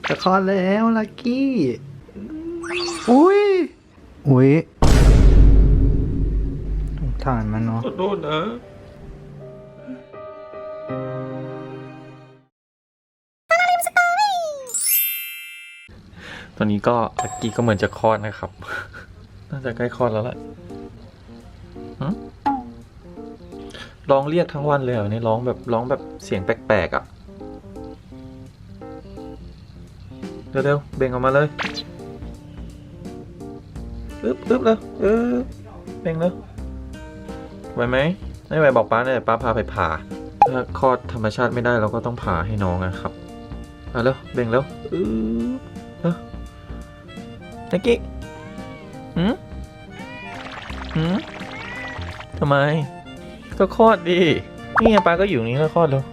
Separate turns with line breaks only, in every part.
จะคลอดแล้วลักกี้ อุ้ยสงสารมันเนาะ
ขอโทษนะตอนนี้ก็ลักกี้ก็เหมือนจะคลอดนะครับ น่าจะใกล้คลอดแล้วแหละร้องเรียกทั้งวันเลยเหรอเนี่ยร้องแบบเสียงแปลกๆอ่ะเร็วๆเบ่งออกมาเลยอึ๊บเลยเบ่งเลยไหวไหมไม่ไหวบอกป้าเนี่ยป้าพาไปผ่าถ้าคลอดธรรมชาติไม่ได้เราก็ต้องผ่าให้น้องนะครับเร็วเบ่งแล้วนักกี้ทำไมก็คลอดดินี่ไงป้าก็อยู่นี่แล้วคลอดแล้ว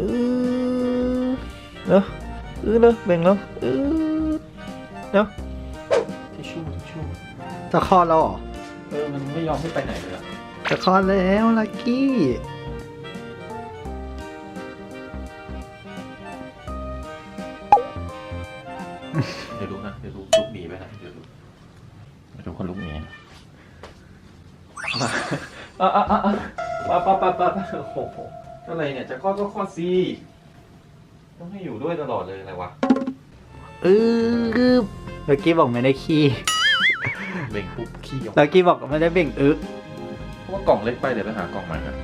แล้วเบ่งแล้วแล้วทิชชู่
จะคลอดแล้วเหรอ
มันไม่ยอมให้ไปไหนเลยอะ
จะคลอดแล้วลักกี้
เดี๋ยวดูนะเดี๋ยวดูลุกหนีไปนะเดี๋ยวดูคนลุกหนีมาป้าโอ้โหอะไรเนี่ยจะคลอดก็คลอดสิต้องให้อยู่ด้วยตลอดเลยอะไรวะ
ลักกี้บอกไม่ได้ขี้
เบ่งปุ๊บขี้ออก
ลักกี้บอกไม่ได้เบ่ง
เพราะว่ากล่องเล็กไปเดี๋ยวไปหากล่องใหม่นะ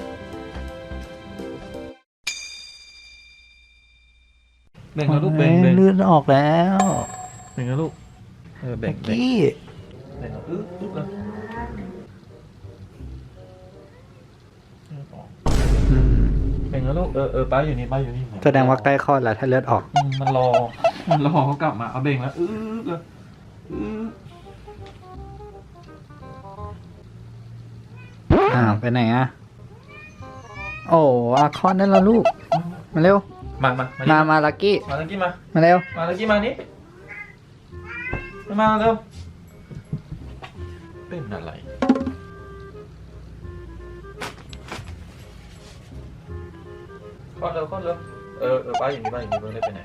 เบ่งแล้วลูกเบ่ง
เลือดออกแล้ว
เบ่งแล้วลูกเบ่
ลั
ง
กกี้
เบ่งแล้วแล้วเบ่งแล้วลูกป้าอยู่นี่
แสดงว่าใกล้คลอดแล้วถ้าเลือดออก
มันรอเขากลับมาเอาเบ่งแล้วเลย
ไปไหนอะโอ้คลอดได้แล้วลูกมาเร็วมาลักกี้
มาลักกี้
มาเร็ว
มาลักกี้มานี่มาเร็วเป็นอะไรคลอดเร็วป้าอยู่นี่เพิ่งได้ไปไหน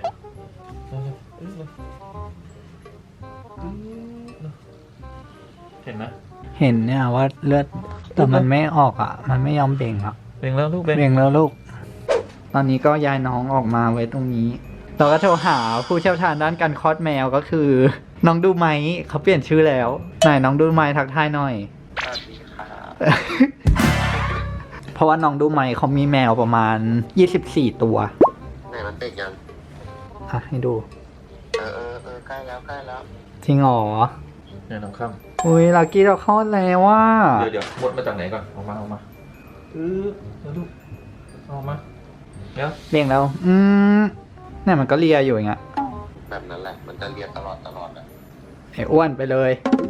เห็นไหม
เห็นเนี่ยว่าเลือดแต่มันไม่ออกอ่ะมันไม่ยอมเบ่งอ่ะ
เบ่งแล้วลูก
เบ่งแล้วลูกตอนนี้ก็ย้ายน้องออกมาไว้ตรงนี้เราก็โทรหาผู้เชี่ยวชาญด้านการคลอดแมวก็คือน้องดูไหมเขาเปลี่ยนชื่อแล้วไหนน้องดูไหมทักทายหน่อย
สวัสดีครับ
เพราะว่าน้องดูไหมเขามีแมวประมาณ24ตัว
ไหนมันเด็กยัง
อ่ะให้ดู
ใกล้แล้ว
จริงเหรอ
เนี่ยน้องข้าม
อุ้ยลักกี้เราคลอดแล้วว่า
เดี๋ยวมดมาจากไหนก่อนออกมาแล้วลูกออกมาเดี๋ยว
เบ่งแล้วเนี่ยมันก็เลียอยู่อย่างเงี้ย
แบบนั้นแหละ มันจะเรียนตลอดอ่ะ
ไอ้อ้วนไปเลย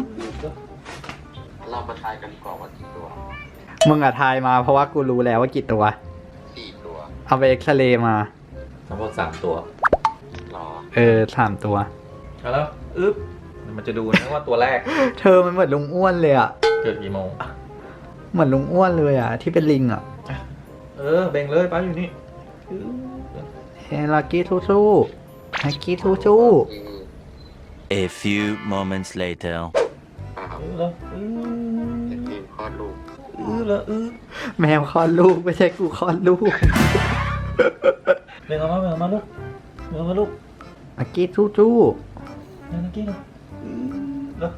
เรามาทายกันดีกว่าว่ากี่ตัว
มึงอะทายมาเพราะว่ากูรู้แล้วว่ากี่ตัว
4 ตัว
เอาไปเอ็กซเรย์มา
ทั้งหมด3 ตัว
หรอ
3 ตัว
แล้วมันจะดูนะว่าตัวแรก
เธอมันเหมือนลุงอ้วนเลยอะ
เกิดกี่โมง
เหมือนลุงอ้วนเลยอะที่เป็นลิงอะ
เบ่งเลยป้าอยู่นี่
เฮ้ลักกี้สู้ๆลักกี้สู้
A few moments later.
แล้ว
เด็กทีมคลอดลูก
แล้ว
ๆแมวคลอดลูกไม่ใช่กูคลอดลูก
เบ่งออกมาลูก
ลักกี้สู้
นักกี้แล้ว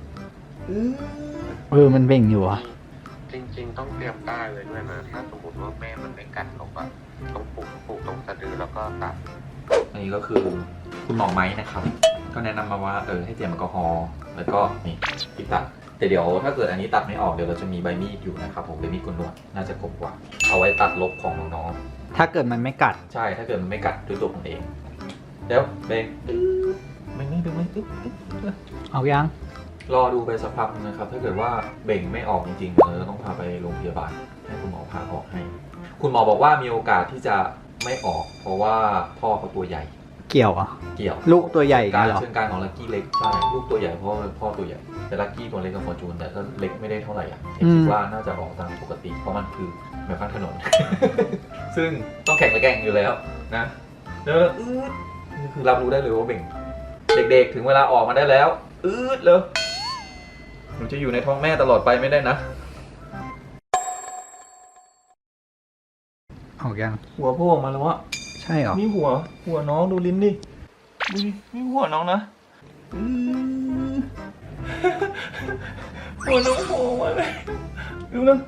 มันเบ่งอยู่อะ
จริงๆต้องเตรียมได้เลยด้วยนะ ถ้าสมมติว่าแม่มันไม่กัดลงอะต้องผูกตรงสะดือแล้วก็ตัด
อันนี้ก็คือคุณหมอไม้นะครับ ก็แนะนำมาว่าให้เตรียมแอลกอฮอล์แล้วก็นี่ปิดตัดแต่เดี๋ยวถ้าเกิดอันนี้ตัดไม่ออกเดี๋ยวเราจะมีใบมีดอยู่นะครับผมเป็นมีดกุนนวดน่าจะคมกว่า เอาไว้ตัดลบของน้อง
ถ้าเกิดมันไม่กัด
ๆใช่ถ้าเกิดมันไม่กัดด้วยตัวผมเองเดี๋ยวเบ่งไม่ดูไม่
เอายัง
รอดูไปสักพักนึงนะครับถ้าเกิดว่าเบ่งไม่ออกจริงๆเราต้องพาไปโรงพยาบาลให้คุณหมอพาออกให้ คุณหมอบอกว่ามีโอกาสที่จะไม่ออก เพราะว่าพ่อเขาตัวใหญ่
เกี่ยวอ่ะ
เกี่ยว
ลูกตัวใหญ่
การ
เหรอ
เชิงการของลักกี้เล็กใช่ลูกตัวใหญ่เพราะพ่อตัวใหญ่แต่ลักกี้ตัวเล็กกับฟอร์จูนแต่ก็เล็กไม่ได้เท่าไหร่อ่ะคิดว่าน่าจะออกตามปกติเพราะมันคือแมวข้างถนน ซึ่งต้องแข่งและแกร่งอยู่แล้วนะเดี๋ยวนี่คือรับรู้ได้เลยว่าเบ่ง เด็กๆถึงเวลาออกมาได้แล้ว เลยหนูจะอยู่ในท้องแม่ตลอดไปไม่ได้นะ
ออกยัง
หัวโผล่ออกมาแล้วอะ
ใช่เหรอ
นี่หัวน้องดูลิ้นดิ ดูดินี่หัวน้องนะหัวน้องโผล่มาเลยดูนะ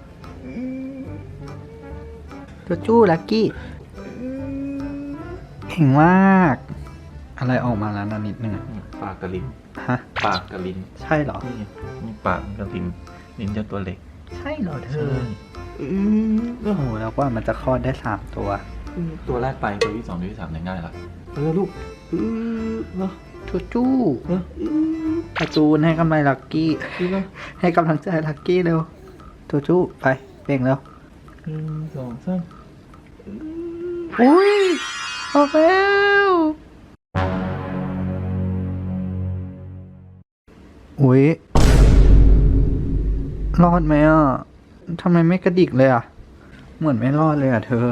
จูจูลักกี้เก่งมาก อะไรออกมาแล้วนะนิดนึงอะ
ปากกับลิ้น
ฮะ
ปากกับลิ้น
ใช่เหรอ
นี่ปากกับลิ้นลิ้นจะตัวเล็ก
ใช่เหรอเธอโอ้โหแล้วว่ามันจะคลอดได้3 ตัว
ตัวแรกไปตัวที่ 2ตัวที่ 3เนี่ยง่ายละลูกเนาะ
จูจูกระจูนให้กำลังลักกี้ ให้กำลังใจลักกี้เร็วจูจูไปเบ่งแล้ว
1 2 3
อุ้ยออกแล้วอุ้ยรอดไหมอ่ะทำไมไม่กระดิกเลยอ่ะ เหมือนไม่รอดเลยอ่ะเธอ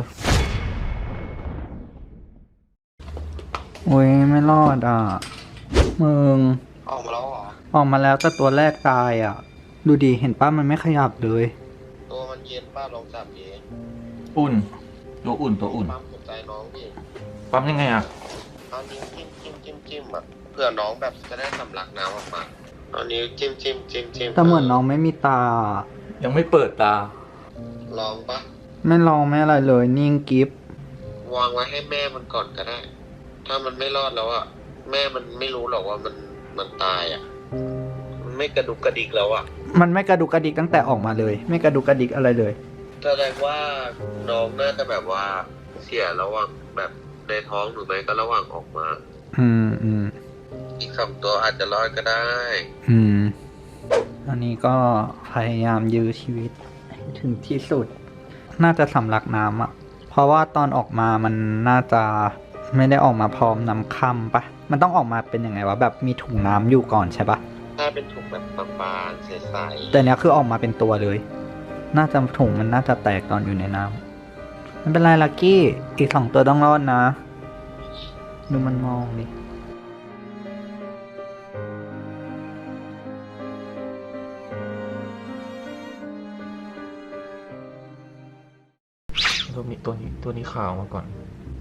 อุ้ยไม่รอดอ่ะมึง
ออกมาแล้วเหรอ
ออกมาแล้วแต่ตัวแรกตายอ่ะ ดูดิเห็นป้ามันไม่ขยับเลย
ตัวมันเย็นป้าลองจับดิ
อุ่น ตัวอุ่น
ปั๊มหัวใจน้องดิ
ปั๊มยังไงอ่ะ
เอานิ้วจิ้มแบบเพื่อน้องแบบจะได้สำลักน้ำออกมาเอานิ้วจิ้ม
แต่เหมือนน้องไม่มีตา
ยังไม่เปิดตา
ลองปะ
ไม่ลองไม่อะไรเลยนิ่งกิฟ
วางไว้ให้แม่มันก่อนก็ได้ ถ้ามันไม่รอดแล้วอ่ะแม่มันไม่รู้หรอกว่ามันตายอ่ะมันไม่กระดุกกระดิกแล้วอ่ะ
มันไม่กระดุกกระดิกตั้งแต่ออกมาเลย ไม่กระดุกกระดิกอะไรเลย
แสดงว่าน้องน่าจะแบบว่าเสียระหว่างแบบในท้องหรือไม่ก็ระหว่างออกมา
อืม
อีก2 ตัวอาจจะรอดก็ได้
อันนี้ก็พยายามยื้อชีวิตให้ถึงที่สุด น่าจะสำลักน้ำอ่ะ เพราะว่าตอนออกมามันน่าจะไม่ได้ออกมาพร้อมน้ำค่ำปะมันต้องออกมาเป็นยังไงวะแบบมีถุงน้ำอยู่ก่อนใช่ปะ
ถ้าเป็นถุงแบบบางๆใสๆ
แต่เนี้ยคือออกมาเป็นตัวเลย น่าจะถุงมันน่าจะแตกตอนอยู่ในน้ำไม่เป็นไรลักกี้ อีก2 ตัวต้องรอดนะ ดูมันมองดิ
ตัวนี้ขาวมาก่อน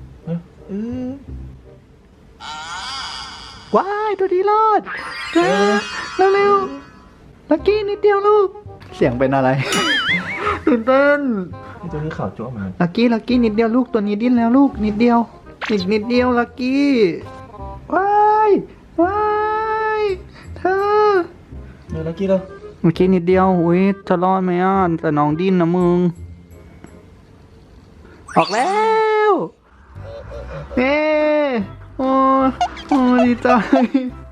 ว้ายตัวนี้รอดเร็วลักกี้นิดเดียวลูก เสียงเป็นอะไร ตื่นเต้น
ตัวนี้ขาวจั๊วเหมือนกัน
ลักกี้นิดเดียวลูกตัวนี้ดิ้นแล้วลูกนิดเดียวอีกนิดเดียวลักกี้ว้ายเธอ
ลักกี้แล้ว
เมื่อกี้นิดเดียวอุ้ยจะรอดไหมอ่ะแต่น้องดิ้นนะมึงออกแล้วเย้โอ้ดีใจ
ไอ้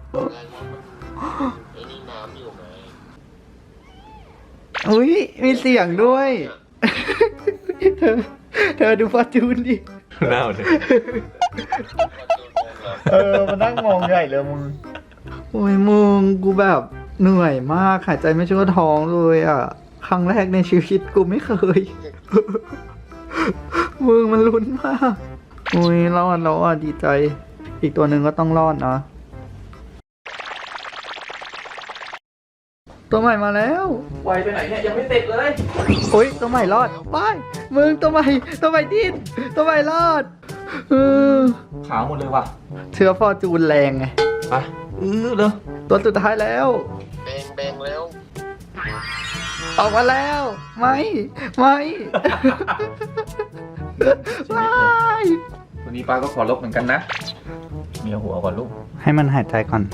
นี่น้ำอยู่ไหม
อุ้ยมีเสียงด้วย เธอดูฟอร์จูนดิ
หน้าเลย
มันนั่งมองใหญ่เลยมึง โอ้ยมึงกูแบบเหนื่อยมากหายใจไม่ชั่วท้องเลยอ่ะ ครั้งแรกในชีวิตกูไม่เคย มึงมันลุ้นมากโอ้ยรอดแล้วอ่ะดีใจ อีกตัวหนึ่งก็ต้องรอดนะ ตัวใหม่มาแล้ว
ไวไปไหนเนี่ยยังไม่เสร็จเลย
โอ้ยตัวใหม่รอดไปมึงตัวใหม่ดิ้นตัวใหม่รอด
ขาวหมดเลยว่ะ
เชื้อฟอร์จูนแรงไง
ไปเลย
ตัวสุดท้ายแล้ว
แบงแล้ว
ออกมาแล้ว ไม่ ไม่
วันนี้ป้าก็ขอลบเหมือนกันนะมีหัวก่อนลูก
ให้มันหายใจก่อน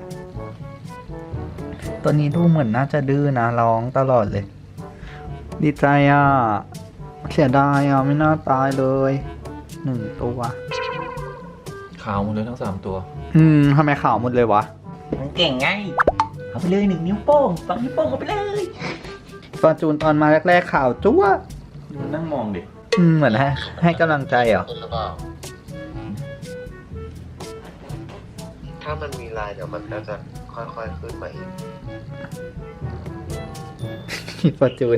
ตัวนี้ดูเหมือนน่าจะดื้อนะร้องตลอดเลย ดีใจอ่ะ เสียดายอ่ะ ไม่น่าตายเลย1 ตัว
ขาวหมดเลยทั้ง3 ตัว
ทำไมขาวหมดเลยวะ
มันเก่งไงเอาไปเลย1 นิ้วโป้ง2 นิ้วโป้งเอาไปเลย
ฟอร์จูนตอนมาแรกๆขาวจั๊ว
มันนั่งมองดิ
เหมือนให้กำลังใจเหรอ
เป็นหรือเปล่าถ้ามันมีลายเดี๋ยวมันก็จะค่อยๆขึ้นมาเอง
ฟอร์จูน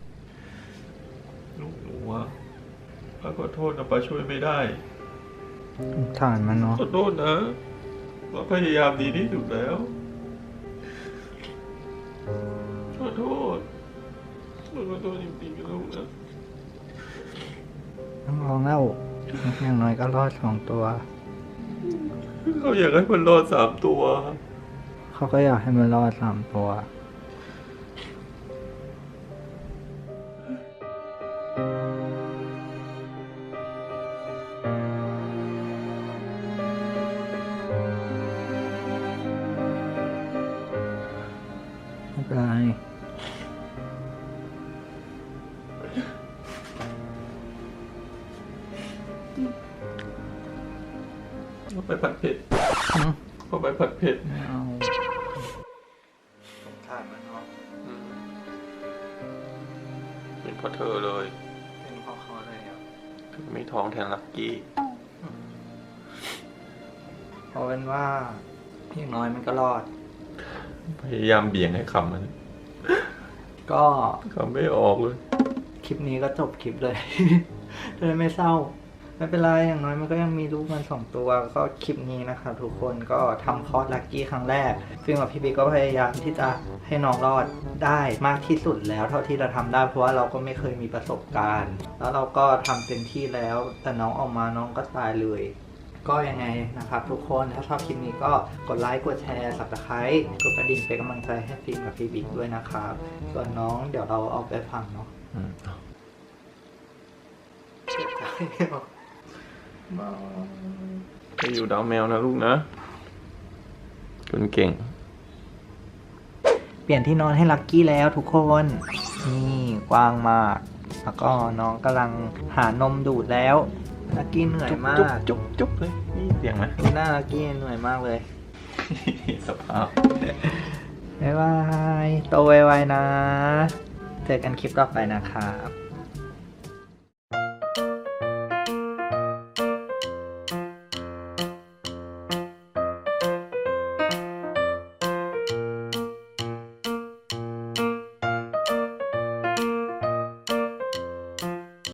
ลูกหนูอะป้าขอโทษนะป้าช่วยไม่ได้
ถามมันเนาะ
ขอโทษนะเราพยายามดีที่สุดแล้ว ขอโทษจริงๆนะลูกนะ
ต้องลองแล้วอย่างน้อยก็รอด2 ตัว
เขาอยากให้มันรอด3 ตัว
เขาก็อยากให้มันรอด3 ตัว ไม่เป็นไร
เอาไปผัดเผ็ดเอาไปผัดเผ็ด
ไม่เอาสงสารมันเนาะ
เป็นเพราะเธอเลย
เป็นเพราะเขาเลยอ่ะ
ไม่ท้องแทนลักกี้
เพราะเป็นว่าอย่างน้อยมันก็รอด
พยายามเบี่ยงให้คำมัน
ก็
คำไม่ออกเลย
คลิปนี้ก็จบคลิปเลย เลยไม่เศร้า ไม่เป็นไรอย่างน้อยมันก็ยังมีลูกมัน2 ตัวก็คลิปนี้นะครับทุกคนก็ทำคลอดลักกี้ครั้งแรก ซึ่งกับพี่บิ๊กก็พยายามที่จะให้น้องรอดได้มากที่สุดแล้วเท่าที่จะทำได้เพราะว่าเราก็ไม่เคยมีประสบการณ์ แล้วเราก็ทำเต็มที่แล้ว แต่น้องออกมาน้องก็ตายเลย ก็ยังไงนะครับทุกคนถ้าชอบคลิปนี้ก็กดไลค์กดแชร์ Subscribe กดกระดิ่งเป็นกำลังใจให้ฟิล์มกับพี่บิ๊กด้วยนะครับส่วนน้องเดี๋ยวเราเอาไปฟังเนาะ
ไปอยู่ดาวแมวนะลูกนะคนเก่ง
เปลี่ยนที่นอนให้ลักกี้แล้วทุกคนนี่กว้างมาก แล้วก็น้องกำลังหานมดูดแล้วลักกี้เหนื่อยมาก
จุ๊บเลย นี่เสียงไหม
ดูหน้าลักกี้เหนื่อยมากเลย
สภาพ
บ๊ายบายโตไวๆนะ เจอกันคลิปต่อไปนะครับ